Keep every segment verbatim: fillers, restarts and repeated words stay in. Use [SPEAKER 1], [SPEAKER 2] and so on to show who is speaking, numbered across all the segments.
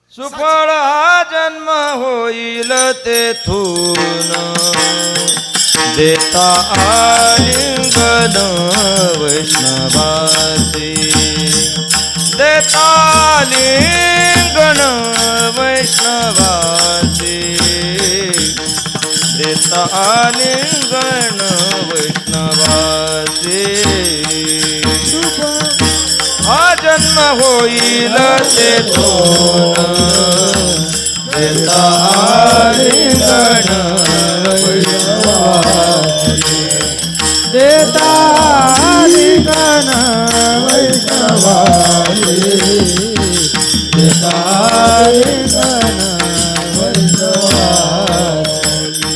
[SPEAKER 1] सुफळ हा जन्म होईल तेथून देता आलिंगन वैष्णवासी देता आलिंगन वैष्णवासी देता आलिंगन वैष्णवासी हा जन्म होईल तेथून देता आलिंगन वैष्णवासी
[SPEAKER 2] देता आलिंगन वैष्णवासी देता आलिंगन वैष्णवासी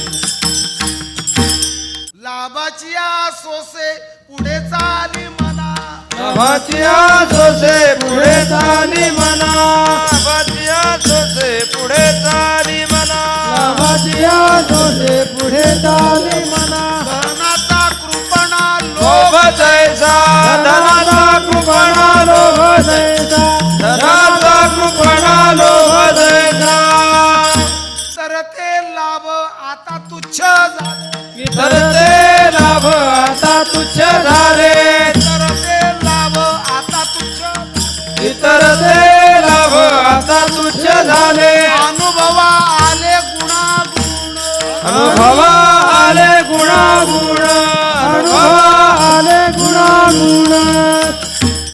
[SPEAKER 3] लाभाची सोसे पुढे चाली मना
[SPEAKER 1] लाभाची सोसे पुढे चाली मना लाभाची सोसे पुढे चाली मना
[SPEAKER 2] लाभाची सोसे पुढे चाली मना
[SPEAKER 3] धनाचा कृपणा
[SPEAKER 1] लोभ जैसा धनाचा कृपणा लोभ जैसा धनाचा कृपणा लोभ जैसा
[SPEAKER 3] तर ते लाभ आता तुच्छ झाले
[SPEAKER 1] तर ते लाभ आता तुच्छ झाले
[SPEAKER 3] तर ते लाभ आता तुच्छ
[SPEAKER 1] इतर ते लाभ आता तुच्छ झाले
[SPEAKER 3] अनुभवा आले गुणागुण
[SPEAKER 1] अनुभवा आले गुणागुण
[SPEAKER 2] अनुभवा आले गुणागुण